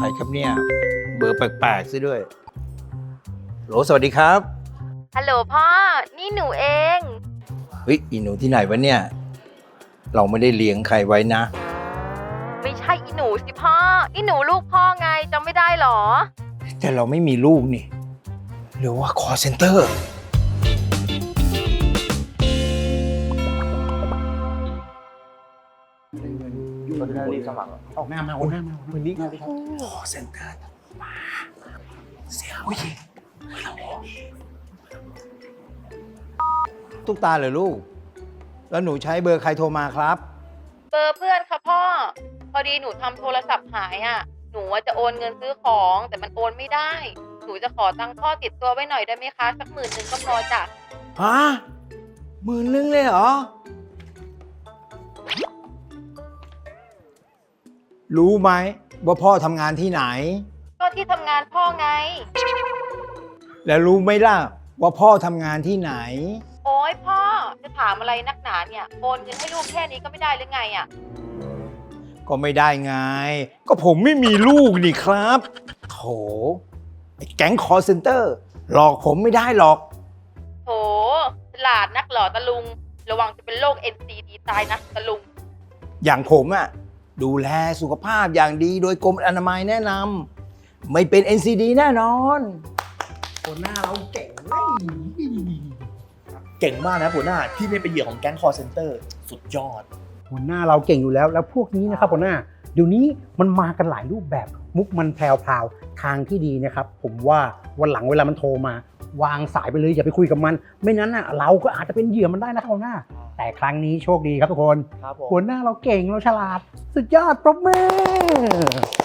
รครับเนี่ยเบอร์แปลกๆซะด้วยโหลสวัสดีครับฮัลโหลพ่อ นี่หนูเองเฮ้ยอีหนูที่ไหนวะเนี่ยเราไม่ได้เลี้ยงใครไว้นะไม่ใช่อีหนูสิพ่อ อีหนูลูกพ่อไงจำไม่ได้หรอแต่เราไม่มีลูกนี่หรือว่า call center ออกหน้ามาออกหน้ามาวันนี้ call center มาเสียงผู้หญิงตุ๊กตาเหรอลูก แล้วหนูใช้เบอร์ใครโทรมาครับเบอร์เพื่อนค่ะพ่อ พอดีหนูทำโทรศัพท์หายอ่ะ หนูจะโอนเงินซื้อของแต่มันโอนไม่ได้ หนูจะขอตังค์พ่อติดตัวไว้หน่อยได้ไหมคะ สัก10,000ก็พอจ้ะฮะ10,000เลยเหรอ รู้ไหมว่าพ่อทำงานที่ไหนก็ที่ทำงานพ่อไงแล้วรู้ไหมล่ะว่าพ่อทำงานที่ไหนโอ๊ยพ่อ จะถามอะไรนักหนาเนี่ย โอนเงินให้ลูกแค่นี้ก็ไม่ได้หรือไงอ่ะก็ไม่ได้ไง ก็ผมไม่มีลูกนี่ครับโถไอ้แก๊งคอร์เซนเตอร์หลอกผมไม่ได้หรอกโถฉลาดนักเหรอตะลุง ระวังจะเป็นโรค NCD ตายนะตะลุงอย่างผมอะดูแลสุขภาพอย่างดีโดยกรมอนามัยแนะนำไม่เป็น NCD แน่นอนหัวหน้าเราเก่งเก่งมากนะหัวหน้าที่ไม่เป็นเหยื่อของแก๊งคอร์เซนเตอร์สุดยอดหัวหน้าเราเก่งอยู่แล้วแล้วพวกนี้นะครับหัวหน้าเดี๋ยวนี้มันมากันหลายรูปแบบมุกมันแพรวๆทางที่ดีนะครับผมว่าวันหลังเวลามันโทรมาวางสายไปเลยอย่าไปคุยกับมัน ไม่นั้นน่ะเราก็อาจจะเป็นเหยื่อมันได้นะครับหัวหน้า แต่ครั้งนี้โชคดีครับทุกคนครับผมหัวหน้าเราเก่งเราฉลาดสุดยอดปรบมือ